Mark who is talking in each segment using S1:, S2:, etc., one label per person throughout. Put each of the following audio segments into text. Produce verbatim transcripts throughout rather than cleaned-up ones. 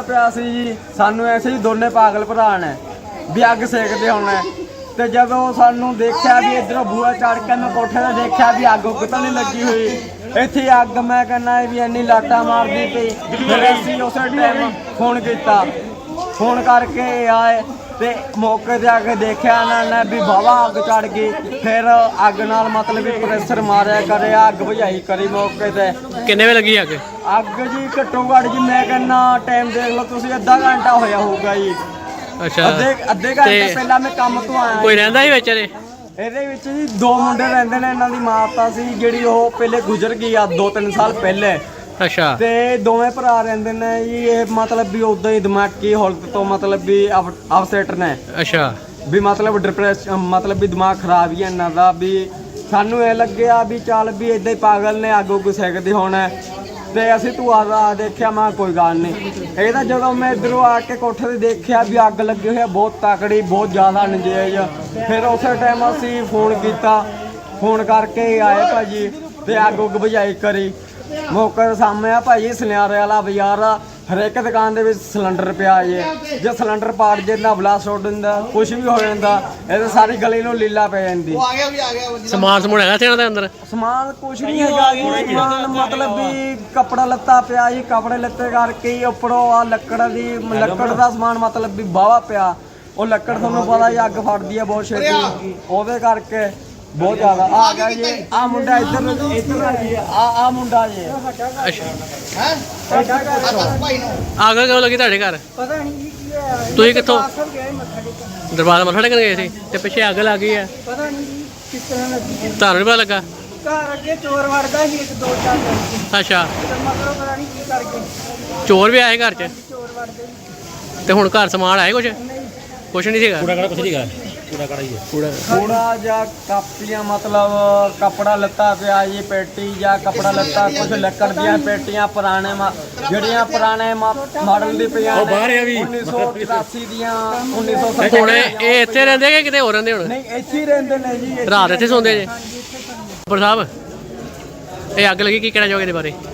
S1: ਪਿਆ ਸੀ ਜੀ। ਸਾਨੂੰ ਐਸੇ ਹੀ ਦੋਨੇ ਪਾਗਲ ਭਰਾ ਨੇ ਵੀ ਅੱਗ ਸੇਕਦੇ ਹੋਣਾ ਤੇ ਜਦੋਂ ਸਾਨੂੰ ਦੇਖਿਆ ਵੀ ਇੱਧਰੋਂ ਬੂਹਾ ਚੜ ਕੇ ਮੈਂ ਕੋਠੇ ਤੇ ਦੇਖਿਆ ਵੀ ਅੱਗ ਉੱਗ ਤਾਂ ਨਹੀਂ ਲੱਗੀ ਹੋਈ ਇੱਥੇ ਅੱਗ। ਮੈਂ ਕਹਿੰਦਾ ਵੀ ਇੰਨੀ ਲਾਟਾਂ ਮਾਰਦੀ ਪਈ। ਫਿਰ ਅਸੀਂ ਉਸੇ ਟਾਈਮ ਫੋਨ ਕੀਤਾ, ਫੋਨ ਕਰਕੇ ਆਏ ਤੇ ਮੌਕੇ ਤੇ ਆ ਕੇ ਦੇਖਿਆ ਇਹਨਾਂ ਨੇ ਵੀ ਵਾਹਵਾ ਅੱਗ ਚੜ ਗਈ। ਫਿਰ ਅੱਗ ਨਾਲ ਮਤਲਬ ਵੀ ਪ੍ਰੈਸ਼ਰ ਮਾਰਿਆ ਕਰਿਆ, ਅੱਗ ਬੁਝਾਈ ਕਰੀ ਮੌਕੇ ਤੇ।
S2: ਕਿੰਨੇ ਵੇ ਲੱਗੀ ਅੱਗ?
S1: ਅੱਗ ਜੀ ਘੱਟੋ ਘੱਟ ਜੀ ਮੈਂ ਕਹਿੰਦਾ ਟਾਈਮ ਦੇਖ ਲਓ ਤੁਸੀਂ, ਅੱਧਾ ਘੰਟਾ ਹੋਇਆ ਹੋਊਗਾ ਜੀ।
S2: ਅੱਛਾ,
S1: ਅੱਧੇ ਅੱਧੇ ਘੰਟੇ ਪਹਿਲਾਂ ਮੈਂ ਕੰਮ ਤੋਂ ਆਇਆ।
S2: ਕੋਈ ਰਹਿੰਦਾ ਸੀ ਵਿੱਚ ਇਹਦੇ?
S1: ਇਹਦੇ ਵਿੱਚ ਜੀ ਦੋ ਮੁੰਡੇ ਰਹਿੰਦੇ ਨੇ। ਇਹਨਾਂ ਦੀ ਮਾਤਾ ਸੀ ਜਿਹੜੀ ਉਹ ਪਹਿਲੇ ਗੁਜ਼ਰ ਗਈ ਆ ਦੋ ਤਿੰਨ ਸਾਲ ਪਹਿਲੇ।
S2: ਅੱਛਾ।
S1: ਤੇ ਦੋਵੇਂ ਭਰਾ ਰਹਿੰਦੇ ਨੇ ਜੀ। ਇਹ ਮਤਲਬ ਵੀ ਉਦਾਂ ਹੀ ਦਿਮਾਗੀ ਹਾਲਤ ਤੋਂ ਮਤਲਬ ਵੀ ਅਪਸੈਟ ਨੇ।
S2: ਅੱਛਾ।
S1: ਵੀ ਮਤਲਬ ਡਿਪਰੈਸ਼ਨ, ਮਤਲਬ ਵੀ ਦਿਮਾਗ ਖਰਾਬ ਹੀ ਹੈ ਇਹਨਾਂ ਦਾ। ਵੀ ਸਾਨੂੰ ਇਹ ਲੱਗਿਆ ਵੀ ਚੱਲ ਵੀ ਇਦਾਂ ਹੀ ਪਾਗਲ ਨੇ, ਅੱਗ ਉੱਗ ਸੇਕਦੇ ਹੋਣਾ ਤੇ ਅਸੀਂ ਤੂੰ ਆ ਦੇਖਿਆ। ਮੈਂ ਕੋਈ ਗੱਲ ਨਹੀਂ। ਇਹ ਤਾਂ ਜਦੋਂ ਮੈਂ ਇੱਧਰੋਂ ਆ ਕੇ ਕੋਠੇ ਤੇ ਦੇਖਿਆ ਵੀ ਅੱਗ ਲੱਗੀ ਹੋਈ ਆ ਬਹੁਤ ਤਕੜੀ, ਬਹੁਤ ਜ਼ਿਆਦਾ ਨਜਾਇਜ਼। ਫਿਰ ਉਸੇ ਟਾਈਮ ਅਸੀਂ ਫੋਨ ਕੀਤਾ, ਫੋਨ ਕਰਕੇ ਆਏ ਭਾਜੀ ਤੇ ਅੱਗ ਉੱਗ ਬੁਝਾਈ ਕਰੀ। ਮੌਕੇ ਦੇ ਸਾਹਮਣੇ ਆ ਭਾਜੀ ਸੁਨਿਆਰੇ ਵਾਲਾ ਬਾਜ਼ਾਰ ਆ। ਹਰੇਕ ਦੁਕਾਨ ਦੇ ਵਿੱਚ ਸਿਲੰਡਰ ਪਿਆ ਜੇ। ਜੇ ਸਿਲੰਡਰ ਪਾੜ ਜੇ ਨਾ ਬਲਾਸਟ ਹੋ ਜਾਂਦਾ, ਕੁਝ ਵੀ ਹੋ ਜਾਂਦਾ, ਇਹ ਤਾਂ ਸਾਰੀ ਗਲੀ ਨੂੰ ਲੀਲਾ ਪੈ ਜਾਂਦੀ।
S2: ਸਮਾਨ ਸਮੂਨ ਹੈਗਾ ਸੀ ਇਹਨਾਂ ਦੇ ਅੰਦਰ?
S1: ਸਮਾਨ ਕੁਛ ਨਹੀਂ ਹੈਗਾ ਜੀ। ਸਮਾਨ ਮਤਲਬ ਵੀ ਕੱਪੜਾ ਲੱਤਾ ਪਿਆ ਜੀ। ਕੱਪੜੇ ਲੱਤੇ ਕਰਕੇ ਹੀ ਉੱਪਰੋਂ ਆ ਲੱਕੜ ਦੀ ਲੱਕੜ ਦਾ ਸਮਾਨ ਮਤਲਬ ਵੀ ਵਾਹਵਾ ਪਿਆ। ਉਹ ਲੱਕੜ ਤੁਹਾਨੂੰ ਪਤਾ ਹੀ ਅੱਗ ਫੜਦੀ ਹੈ ਬਹੁਤ ਛੇਤੀ, ਉਹਦੇ ਕਰਕੇ ਬਹੁਤ ਜ਼ਿਆਦਾ ਆ ਗਿਆ ਜੀ। ਆ ਮੁੰਡਾ ਇੱਧਰ ਇੱਧਰ ਆ ਜੀ। ਆ ਆ ਮੁੰਡਾ ਜੀ।
S2: ਅੱਛਾ। ਅੱਗ ਕਿਉਂ ਲੱਗੀ ਤੁਹਾਡੇ ਘਰ?
S3: ਪਤਾ ਨਹੀਂ ਜੀ ਕੀ ਹੈ।
S2: ਤੁਸੀਂ ਕਿੱਥੋਂ?
S3: ਦਰਬਾਰ
S2: ਮੱਥਾ ਟੇਕਣ ਗਏ ਸੀ ਤੇ ਪਿੱਛੇ ਅੱਗ ਲੱਗ ਗਈ ਹੈ।
S3: ਪਤਾ ਨਹੀਂ ਜੀ ਕਿਸ ਤਰ੍ਹਾਂ ਲੱਗੀ।
S2: ਤੁਹਾਨੂੰ ਨਹੀਂ ਪਤਾ ਲੱਗਾ?
S3: ਘਰ ਅੱਗੇ ਚੋਰ ਵੜਦਾ ਸੀ ਇੱਕ ਦੋ ਚਾਰ ਦਿਨ।
S2: ਅੱਛਾ।
S3: ਮਗਰੋਂ ਪਤਾ ਨਹੀਂ ਕੀ ਕਰ ਗਏ।
S2: ਚੋਰ ਵੀ ਆਏ ਘਰ 'ਚ?
S3: ਚੋਰ ਵੜਦੇ ਸੀ।
S2: ਤੇ ਹੁਣ ਘਰ ਸਮਾਨ ਆਏ ਕੁਛ? ਕੁਛ ਨਹੀਂ ਸੀਗਾ?
S4: ਕੂੜਾ ਕੜਾ ਕੁਛ ਨਹੀਂਗਾ। ਕੂੜਾ ਕੜਾ ਹੀ ਹੈ।
S2: ਕੂੜਾ
S1: ਕੂੜਾ ਜਾਂ ਕਾਪੀਆਂ ਮਤਲਬ ਕੱਪੜਾ ਲੱਤਾ ਪਿਆ ਜੀ। ਪੇਟੀ ਜਾਂ ਕੱਪੜਾ ਲੱਤਾ, ਕੁਝ ਲੱਕੜ ਦੀਆਂ ਪੇਟੀਆਂ ਪੁਰਾਣੇ ਜਿਹੜੀਆਂ ਪੁਰਾਣੇ ਮਾਡਲ ਦੀ ਪਈਆਂ
S4: ਉਹ ਬਾਹਰ ਆ ਵੀ
S1: ਉੱਨੀ ਸੌ ਚੁਰਾਸੀ ਦੀਆਂ, ਉੱਨੀ ਸੌ ਸੱਤਰ।
S2: ਹੁਣ ਇਹ ਇੱਥੇ ਰਹਿੰਦੇ ਕਿ ਕਿਤੇ ਹੋਰ ਰਹਿੰਦੇ? ਹੁਣ
S1: ਨਹੀਂ ਇੱਥੇ ਹੀ ਰਹਿੰਦੇ ਨੇ ਜੀ।
S2: ਰਾਤ ਇੱਥੇ ਸੌਂਦੇ ਜੇ? ਉੱਪਰ ਸਾਹਿਬ ਇਹ ਅੱਗ ਲੱਗੀ, ਕੀ ਕਹਿਣਾ ਚਾਹੋਗੇ ਇਹਦੇ ਬਾਰੇ?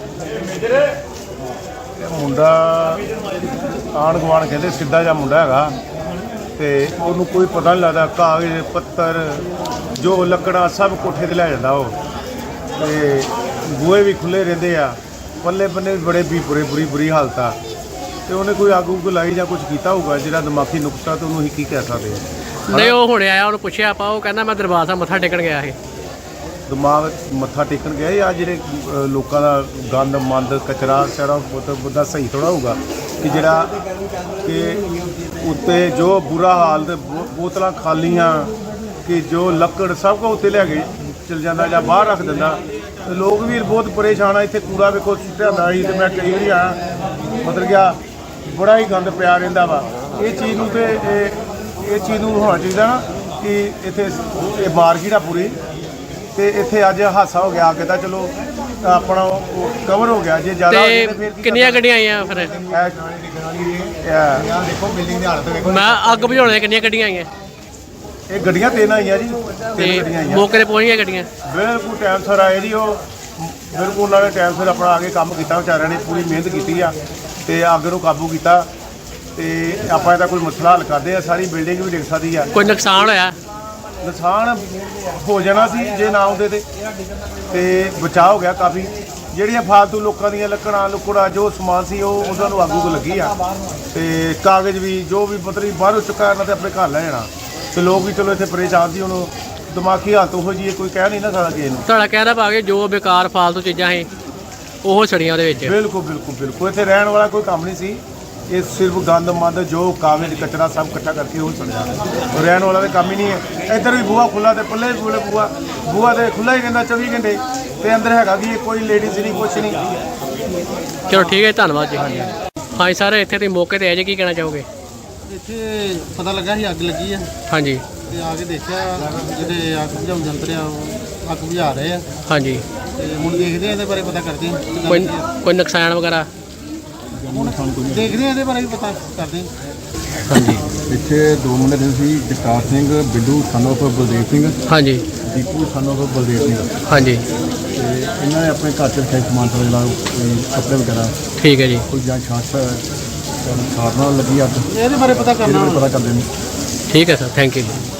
S5: ਮੁੰਡਾ ਆਂਢ ਗੁਆਂਢ ਕਹਿੰਦੇ ਸਿੱਧਾ ਜਿਹਾ ਮੁੰਡਾ ਹੈਗਾ ਤੇ ਉਹਨੂੰ ਕੋਈ ਪਤਾ ਨਹੀਂ ਲੱਗਦਾ। ਕਾਗਜ਼ ਪੱਤਰ ਜੋ ਲੱਕੜਾਂ ਸਭ ਕੋਠੇ ਤੇ ਲੈ ਜਾਂਦਾ ਉਹ। ਤੇ ਬੂਹੇ ਵੀ ਖੁੱਲੇ ਰਹਿੰਦੇ ਆ। ਪੱਲੇ ਬੰਨੇ ਵੀ ਬੜੇ ਵੀ ਬੁਰੇ ਬੁਰੀ ਬੁਰੀ ਹਾਲਤ ਆ। ਤੇ ਉਹਨੇ ਕੋਈ ਅੱਗ ਉੱਗ ਲਾਈ ਜਾਂ ਕੁਝ ਕੀਤਾ ਹੋਊਗਾ ਜਿਹੜਾ ਦਿਮਾਗੀ ਨੁਕਸਾ, ਤੇ ਉਹਨੂੰ ਅਸੀਂ ਕੀ ਕਹਿ ਸਕਦੇ ਹਾਂ।
S2: ਨਹੀਂ, ਉਹ ਹੁਣੇ ਆਇਆ, ਉਹਨੂੰ ਪੁੱਛਿਆ ਆਪਾਂ, ਉਹ ਕਹਿੰਦਾ ਮੈਂ ਦਰਬਾਰ ਸਾਹਿਬ ਮੱਥਾ ਟੇਕਣ ਗਿਆ ਸੀ।
S5: ਦਿਮਾਗ ਮੱਥਾ ਟੇਕਣ ਗਏ ਆ ਜਿਹੜੇ ਲੋਕਾਂ ਦਾ ਗੰਦ ਮੰਦ ਕਚਰਾ ਸਾਰਾ ਬੁੱਧਾ ਸਹੀ ਥੋੜਾ ਹੋਊਗਾ ਕਿ ਜਿਹੜਾ ਕਿ ਉੱਤੇ ਜੋ ਬੁਰਾ ਹਾਲ ਤੇ ਬੋਤਲਾਂ ਖਾਲੀਆਂ ਕਿ ਜੋ ਲੱਕੜ ਸਭ ਕੁਝ ਉੱਤੇ ਲੈ ਕੇ ਚਲ ਜਾਂਦਾ ਜਾਂ ਬਾਹਰ ਰੱਖ ਦਿੰਦਾ। ਤੇ ਲੋਕ ਵੀ ਬਹੁਤ ਪਰੇਸ਼ਾਨ ਆ। ਇੱਥੇ ਕੂੜਾ ਵੇਖੋ ਸੁੱਟਿਆ ਹੁੰਦਾ ਸੀ ਤੇ ਮੈਂ ਕਈ ਵਾਰੀ ਆ ਮਤਲਬ ਗਿਆ ਬੜਾ ਹੀ ਗੰਦ ਪਿਆ ਰਹਿੰਦਾ ਵਾ। ਇਹ ਚੀਜ਼ ਨੂੰ ਤੇ ਇਹ ਇਹ ਚੀਜ਼ ਨੂੰ ਹੋਣਾ ਚਾਹੀਦਾ ਨਾ ਕਿ ਇੱਥੇ ਇਹ ਮਾਰਕੀਟ ਆ ਪੂਰੀ ਤੇ ਇੱਥੇ ਅੱਜ ਹਾਦਸਾ ਹੋ ਗਿਆ। ਅੱਗੇ ਤਾਂ ਚਲੋ ਆਪਣਾ ਉਹ ਕਵਰ ਹੋ ਗਿਆ। ਜੇ ਜ਼ਿਆਦਾ
S2: ਤੇ ਕਿੰਨੀਆਂ ਗੱਡੀਆਂ ਆਈਆਂ ਫਿਰ?
S5: ਦੇਖੋ ਬਿਲਡਿੰਗ ਦੀ ਹਾਲਤ ਵੇਖੋ।
S2: ਮੈਂ ਅੱਗ ਬੁਝਾਉਣ ਕਿੰਨੀਆਂ ਗੱਡੀਆਂ ਆਈਆਂ?
S5: ਇਹ ਗੱਡੀਆਂ ਤਿੰਨ ਆਈਆਂ ਜੀ।
S2: ਤੇ
S5: ਤਿੰਨ ਗੱਡੀਆਂ ਆਈਆਂ।
S2: ਮੌਕੇ ਤੇ ਪਹੁੰਚ ਗਈਆਂ ਗੱਡੀਆਂ?
S5: ਬਿਲਕੁਲ ਟਾਈਮ ਸਿਰ ਆਏ ਜੀ। ਉਹ ਬਿਲਕੁਲ ਉਹਨਾਂ ਨੇ ਟਾਈਮ ਸਿਰ ਆਪਣਾ ਆ ਕੇ ਕੰਮ ਕੀਤਾ। ਵਿਚਾਰਿਆਂ ਨੇ ਪੂਰੀ ਮਿਹਨਤ ਕੀਤੀ ਆ ਤੇ ਅੱਗ ਨੂੰ ਕਾਬੂ ਕੀਤਾ। ਤੇ ਆਪਾਂ ਇਹਦਾ ਕੋਈ ਮਸਲਾ ਹੱਲ ਕਰਦੇ ਆ। ਸਾਰੀ ਬਿਲਡਿੰਗ ਵੀ ਡਿੱਗ ਸਕਦੀ ਆ।
S2: ਕੋਈ ਨੁਕਸਾਨ ਹੋਇਆ?
S5: ਨੁਕਸਾਨ ਹੋ ਜਾਣਾ ਸੀ ਜੇ ਨਾ ਆਉਂਦੇ ਤੇ ਤੇ ਬਚਾਅ ਹੋ ਗਿਆ ਕਾਫੀ। ਜਿਹੜੀਆਂ ਫਾਲਤੂ ਲੋਕਾਂ ਦੀਆਂ ਲੱਕੜਾਂ ਲੁਕੜਾ ਜੋ ਸਮਾਨ ਸੀ ਉਹ ਉਹਨਾਂ ਨੂੰ ਅੱਗੂ ਲੱਗੀ ਆ। ਤੇ ਕਾਗਜ਼ ਵੀ ਜੋ ਵੀ ਪੱਤਰੀ ਬਾਹਰੋਂ ਚੁੱਕਾ ਇਹਨਾਂ ਤੇ ਆਪਣੇ ਘਰ ਲੈ ਜਾਣਾ। ਤੇ ਲੋਕ ਵੀ ਚਲੋ ਇੱਥੇ ਪਰੇਸ਼ਾਨ ਸੀ। ਉਹਨੂੰ ਦਿਮਾਗੀ ਹਾਲਤ ਉਹੋ ਜਿਹੀ ਕੋਈ ਕਹਿ ਨਹੀਂ ਨਾ ਸਕਦਾ ਕਿਸੇ ਨੂੰ।
S2: ਤੁਹਾਡਾ ਕਹਿਣਾ ਪਾ ਕੇ ਜੋ ਬੇਕਾਰ ਫਾਲਤੂ ਚੀਜ਼ਾਂ ਸੀ ਉਹ ਸੜੀਆਂ ਉਹਦੇ ਵਿੱਚ?
S5: ਬਿਲਕੁਲ ਬਿਲਕੁਲ ਬਿਲਕੁਲ। ਇੱਥੇ ਰਹਿਣ ਵਾਲਾ ਕੋਈ ਕੰਮ ਨਹੀਂ ਸੀ। ਇਹ ਸਿਰਫ ਗੰਦ ਮੰਦ ਜੋ ਕਾਗਜ਼ ਕਚਰਾ ਸਭ ਇਕੱਠਾ ਕਰਕੇ ਉਹ ਸੜਿਆ। ਰਹਿਣ ਵਾਲਾ ਤਾਂ ਕੰਮ ਹੀ ਨਹੀਂ ਹੈ। ਇੱਧਰ ਵੀ ਬੂਹਾ ਖੁੱਲ੍ਹਾ ਤੇ ਪੱਲੇ ਵੀ ਖੁੱਲ੍ਹੇ। ਬੂਹਾ ਬੂਹਾ ਤੇ ਖੁੱਲ੍ਹਾ ਹੀ ਰਹਿੰਦਾ ਚੌਵੀ ਘੰਟੇ ਤੇ ਅੰਦਰ ਹੈਗਾ ਵੀ ਕੋਈ ਲੇਡੀਜ਼ ਨਹੀਂ ਕੁਛ ਨਹੀਂ।
S2: ਚਲੋ ਠੀਕ ਹੈ, ਧੰਨਵਾਦ ਜੀ। ਹਾਂਜੀ ਸਰ, ਇੱਥੇ ਤੁਸੀਂ ਮੌਕੇ ਤੇ ਆਏ ਜੀ, ਕੀ ਕਹਿਣਾ ਚਾਹੋਗੇ?
S6: ਇੱਥੇ ਪਤਾ ਲੱਗਾ ਸੀ ਅੱਗ ਲੱਗੀ ਆ
S2: ਹਾਂਜੀ।
S6: ਤੇ ਆ ਕੇ ਦੇਖਿਆ ਜਿਹੜੇ ਅੱਗ ਬੁਝਾਉਣ ਯੰਤਰ ਆ ਉਹ ਅੱਗ ਬੁਝਾ ਰਹੇ ਆ।
S2: ਹਾਂਜੀ।
S6: ਤੇ ਹੁਣ ਦੇਖਦੇ ਆ ਇਹਦੇ ਬਾਰੇ ਪਤਾ ਕਰਦੇ ਆ ਕਿੱਦਾਂ
S2: ਕੋਈ
S6: ਲੱਗੀ ਆ।
S2: ਕੋਈ ਨੁਕਸਾਨ ਵਗੈਰਾ?
S6: ਦੇਖਦੇ ਆ ਇਹਦੇ ਬਾਰੇ ਵੀ ਪਤਾ ਕਰਦੇ ਆ।
S2: ਹਾਂਜੀ।
S7: ਇੱਥੇ ਦੋ ਮੁੰਡੇ ਰਹਿੰਦੇ ਸੀ, ਜਗਤਾਰ ਸਿੰਘ ਬਿੱਡੂ ਸਨ ਆਫ ਬਲਦੇਵ ਸਿੰਘ।
S2: ਹਾਂਜੀ।
S7: Deepu son of Baldev Singh.
S2: ਹਾਂਜੀ।
S7: ਤੇ ਇਹਨਾਂ ਨੇ ਆਪਣੇ ਘਰ 'ਚ ਰੱਖਿਆ ਸਮਾਨ ਸਾਰਾ ਜਿਹੜਾ ਕੋਈ ਕੱਪੜੇ ਵਗੈਰਾ।
S2: ਠੀਕ ਹੈ ਜੀ।
S7: ਕੋਈ ਜਾਂ ਛਾਤ ਖਾਣ ਨਾਲ ਲੱਗੀ ਅੱਗ
S6: ਇਹਦੇ ਬਾਰੇ ਪਤਾ ਕਰਨਾ
S7: ਇਹਦੇ ਬਾਰੇ ਪਤਾ ਕਰਦੇ ਨੇ
S2: ਠੀਕ ਹੈ ਸਰ, ਥੈਂਕ ਯੂ ਜੀ।